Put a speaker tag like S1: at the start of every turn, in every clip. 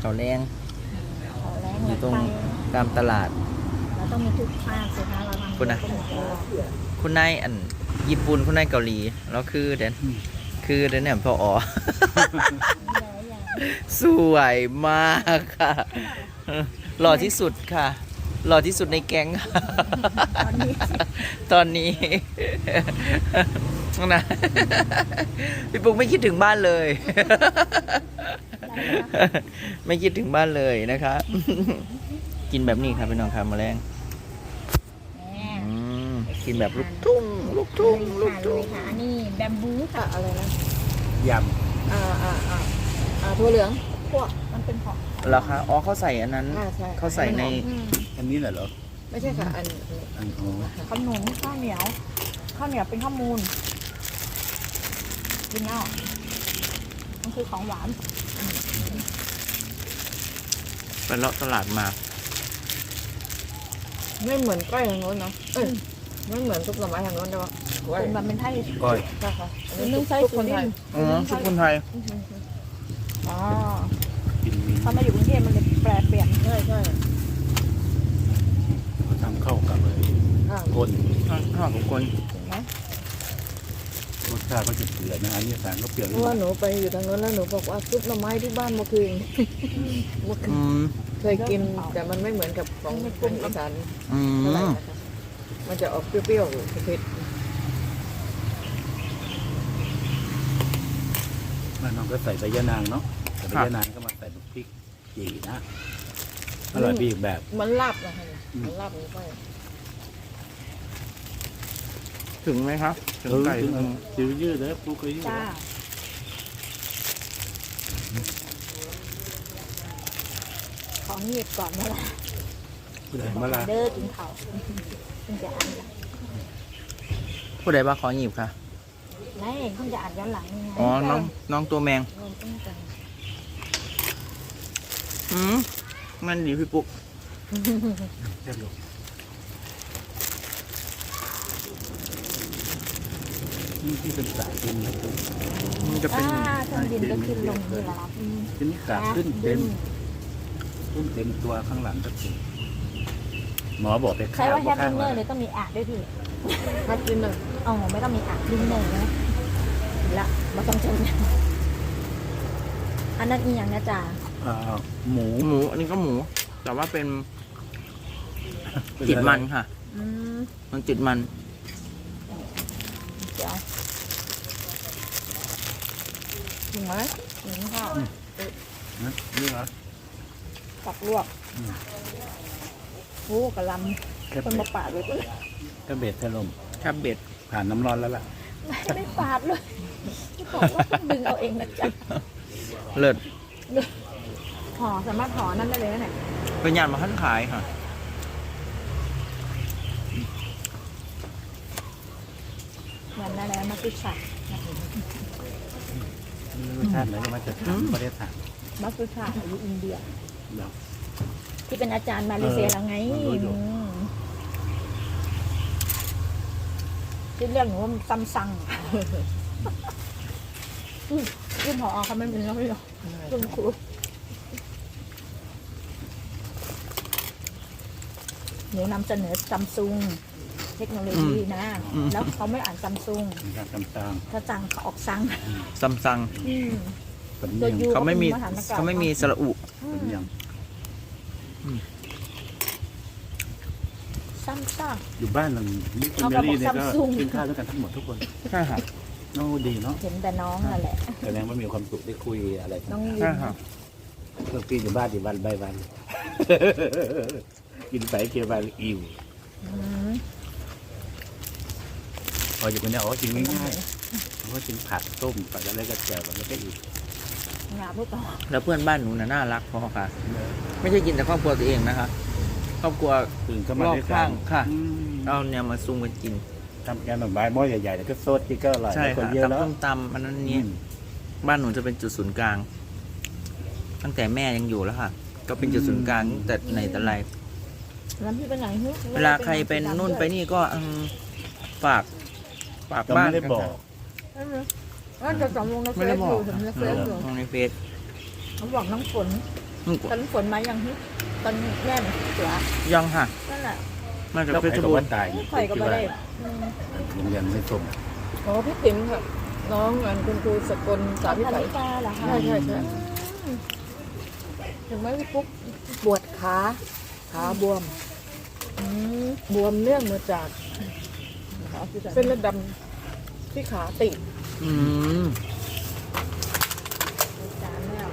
S1: เขาแรง
S2: ขอแรง
S1: อยู่ตรง
S2: ไป
S1: ตามตลาด
S2: เราต้องมีทุกภาคสิคะเราทำ
S1: คุณนะ
S2: ก็หมดแล้ว
S1: คุณนายอันญี่ปุ่นคุณนายเกาหลีแล้วคือเด่นเนี่ยพออ๋อ สวยมากค่ะหล่อที่สุดค่ะหล่อที่สุดในแก๊งค่ะ
S2: ตอนนี้
S1: ตอนนี้ นะพี่ปุ๊กไม่คิดถึงบ้านเลย ไม่คิดถึงบ้านเลยนะคะ กินแบบนี้ครับพี่น้องครับแมลง
S2: แม่
S1: กินแบบลูกทุ่งลูกทุ่งลูก
S2: ค่ะ
S1: ทุ่ง
S2: ค่ะอันนี้แบมบูค่ะอะไรนะ
S3: ย
S2: ถั่วเหลืองพวกมันเป็นของ
S1: แล้วคะอ๋อเขาใส่อันนั้น
S2: ใช่
S1: เขาใส่ใน
S3: ำอันนี้เหรอ
S2: ไม่ใช่ค่ะอัน
S3: อันอ๋อ
S2: ขนมข้าวเหนียวเป็นข้าวมูลกินเอามันคือของหวาน
S1: ไปเลาะตลาดมา
S4: ไม่เหมือนก้อยทางโน้นเนาะไม่เหมือนซุปหน่อไม้ทางโน้นใช่ปะก้อย
S2: เป็นแบบเป็นไทย
S3: ก้อย
S4: ใช่ค่ะอัน
S2: เป็น
S4: นี้
S2: นึ่งไส้
S4: ซุป
S2: สุ
S4: คน
S2: ริ
S4: ไทย
S2: นทร์
S1: อ๋อชุดคนไทย
S2: อ๋อ
S3: กินมี
S2: พอมาอยู่กรุงเทพมันเลยแปรเปลี่ยน
S4: ใช่ใช่
S3: ทำเข้ากับเลย
S4: อ่า
S3: ก้น
S1: ข้าวของคน
S2: ถูกไหม
S3: รสชาติก็จะเปลี่ยนนะอันนี้สารก็เปลี่ยน
S4: เพราะว่าหนูไปอยู่ทางโน้นแล้วหนูบอกว่าซุปหน่อไม้ที่บ้านเมื่อคืนเมื่อคื
S1: อื
S4: น
S1: ม
S4: เคยกินแต่มันไม่เหมือนกับของกรุงอีสาน
S1: อื
S4: เท่าไหร่
S1: ม
S4: นะคะมันจะออกเปรี้ยวๆเผ็ด
S3: แล้วน้องก็ใส่ใบยะนางเนาะใส่ใบยะนางก็มาใส่พริกจีนะอร่อยไปอีกแบบ
S4: ๆมันลาบนะคะมันลาบหนูไป
S1: ถึงไหมครับถึงไก่
S3: ถึงจิ๋วยืดเลยปูเคยยืด
S2: จ้าของหยิบก่อนเมื่อไหร่
S3: คุณเห็นเมื่อไร
S2: เด้อกินเขาเพิ่งจะอ่าน
S1: ผู้ใดว่าขอหยิบค่ะ
S2: ไม่เพิ่งจะอ่านย้อนหลังนี่ไง
S1: อ๋อน้องตัวแมง
S2: เริ่มต้นกัน
S1: มันดีพี่ปุ๊ก
S3: แค่ลูกนี่ที่เป็นสายดินนะ
S1: มันจะเป็น
S2: เครื่องบินก็ขึ้นลงนี่แหละครับ
S3: ทีนี้กาบขึ้นเต็มขึ้นเต็มตัวข้างหลังก็ถึงหมอบอกไป
S2: ใช่
S3: ข้าว
S2: ว่าแฮป
S3: ข้า
S2: ปี้
S3: ง
S2: เนอ
S3: ละ
S2: ร์เลยต้องมีอ่านด้วยพี่
S4: พัดกินหนึ่ง
S2: อ๋อไม่ต้องมีอ่านดิ้นเนอร์นะละมาต้องเจออันนั้นอีกอย่างนะจ๊ะ
S3: หมู
S1: หมูอันนี้ก็หมู แต่ว่าเป็นติดมันค่ะ
S2: อืม
S1: มันติดมัน
S2: เดี๋ยว
S4: ถูกไหม
S2: ถึงค่ะ
S3: นะนี่เหรอ
S2: ปักลวกโอ้กระล
S3: แค่
S2: ำคน
S3: เบ็
S2: มา
S3: ด
S2: ปาดเลย
S3: แค่เบ็ดถล่ม
S1: แคบเบ็ด
S3: ผ่านน้ำร้อนแล้วล่ะ
S2: ไม่ปาดเลยจะบอกว่าต้องดึงเอาเองนะจ๊ะ
S1: เลิศ
S2: ห่อสามารถห่อนั่นได้เลยนะเนี่ย
S1: เป็นยานมาขั้นขายค่ะ
S2: เหมือนอะไรมาตุชา
S3: รสชาติไหนก็มาจากทางประเทศไทย
S2: มาตุชาอยู่อินเดีย
S3: เรา
S2: ที่เป็นอาจารย์มาเลเซียแล้วไง
S3: รู้อยู่
S2: ที่เรียกหนูว่าซัมซังยื่นหอเขาไม่เป็นแล้วไม่หรอกคุณครูหนูนำเสนอซัมซุงเทคโนโลยีนะ แล้วเขาไม่อ่านซัมซุง
S3: เป็นการต่าง
S2: ถ้าสั่งเขาออกซัง
S1: ซัมซัง
S3: ๆเป็น
S2: ตัว
S3: ยัง
S2: ยู
S1: เขาไม่มี
S2: ก็เป็นมหานกร
S1: เขาไม่มีสระอุ
S3: เป็นยัง
S2: ซัมซัง
S3: อยู่บ้านหลังนี้คุณ
S2: เขา
S3: เม
S2: ก็บอก
S3: ลี่เนี่ยก็
S2: Samsung
S3: กินข้าวด้วยกันทั้งหมดทุกคน
S1: ใช่ค่ะ
S3: น้องดีเนาะ
S2: เห็นแต่น้องนั่นแหละ
S3: แสดงว่ามีความสุขได้คุยอะไรกัน
S2: น้องยิ
S1: ใช่
S2: น
S1: ค่ะ
S3: เพื่อนพี่อยู่บ้านอยู่วันใบวัน กินไปเคียวไปอิ่ว
S2: อืม
S3: พออยู่คนเนี้ยอ๋อกินง่ายๆเพราะว่ากินผักต้มผักอะไรก็แจ่วแล้วก็อีก
S2: งาพูดต่อ
S1: แล้วเพื่อนบ้านหนูน่ะน่ารักพอค่ะ ไม่ใช่กินแต่ครอบครัวตัวเองนะคะ ครอบครัว
S3: ตื่นก็มาร
S1: อบ
S3: ด้วยกั
S1: ข้าน งค่ะ
S3: อืม
S1: เอาเนี่ยมาซุ่มกันกิน
S3: ทำแกงหน่อไม้หม้อใหญ่ๆแล้วก็ซดกินก็อร่อย
S1: ใช่
S3: คน
S1: ค่ะ
S3: เยอะแล้ว
S1: ตำส้มตำอันนั้นนี้ บ้านหนูจะเป็นจุดศูนย์กลาง ตั้งแต่แม่ยังอยู่แล้วค่ะ ก็เป็นจุดศูนย์กลางตั้งแต่ไหนแต่ไร
S2: แล้วพี่เป็นไหนฮึ
S1: เวลาใครเป็นนู่นไปนี่ก็ฝาก
S3: ก็
S1: บ้าน
S3: ไม่ได้บอก
S4: น่าจะสำรองในเฟ
S1: ไม่
S4: ซ
S1: ได้บ
S4: อ
S1: อก
S4: ยู่ถึงในเฟ
S1: ค่ะ
S4: ซอยู่
S1: ลงในเฟซ
S2: เขาบอกน้องฝนตอนฝนมายังตอนแม่เสือ
S1: ยังค่ะ
S2: นั่นแหละ
S1: มาจาก
S3: แล้ว
S1: เพ
S3: ใคร
S1: ชร
S3: กับ
S1: บูร
S3: ว่า
S1: ณ์
S3: ตาย
S2: ข่อยก็ไม่ได้อืม
S3: ยังยันไม่ส้ม
S4: อ๋อพี่ติ๋มค่ะน้องอันคุณครูสกลสา
S2: สาว
S4: วิ
S2: พัน
S4: สัย
S2: ธิกาเหรอคะ
S4: ใช่ถึงไหมพี่ปุ๊กปวดขาบวม
S2: อืม
S4: บวมเนื่องมาจาก
S2: ขาคือแบบ
S4: เส้นเลือดดำที่ขาติด
S1: อืม
S2: จานแล้ว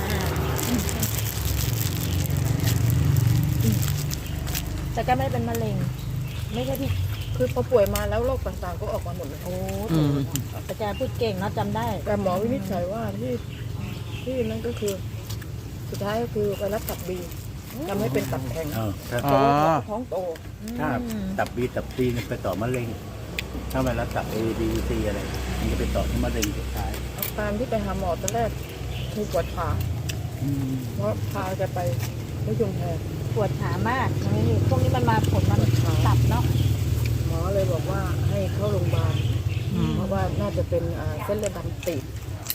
S2: แต่ก็ไม่ได้เป็นมะเร็ง ไม่ใช่ที่
S4: คือพอป่วยมาแล้วโรคต่างๆก็ออกมาหมดเลย
S2: โอ้
S1: อืม
S2: อาจารย์พูดเก่งเนาะจำได้
S4: แต่หมอวินิจฉัยว่าที่นั่นก็คือ สุดท้ายก็คือไวรัสตับบีทำให้เป็นตับแข็ง
S3: ถ้า
S1: อ๋อ
S4: ท้องโต
S3: ถ้าตับบีเนี่ยไปต่อมะเร็ง ถ้าไวรัสตับ A B C อะไรมันจะไปต่อที่มะเร็งสุดท้าย
S4: อาการที่ไปหาหมอตอนแรกคือปวดขาเพราะพาแกไปที่ชุมแพ
S2: ปวดขามากนี่พวกนี้มันมาผลมันตับเนาะ
S4: หมอเลยบอกว่าให้เข้าโรงพยาบาล
S1: อืม
S4: เพราะว่าน่าจะเป็นเส้นเลือดดำตีบ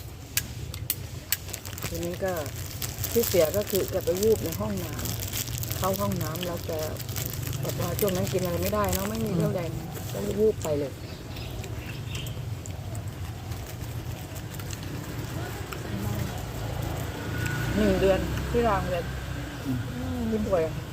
S4: ทีนี้ก็ที่เสียก็คือแกไปวูบในห้องน้ำเข้าห้องน้ำแล้วแกแบบว่าช่วงนั้นกินอะไรไม่ได้เนาะไม่มีเรี่ยวแรงก็เลยวูบไปเลย 1 เดือนที่รางเลยที่ป่วยอะ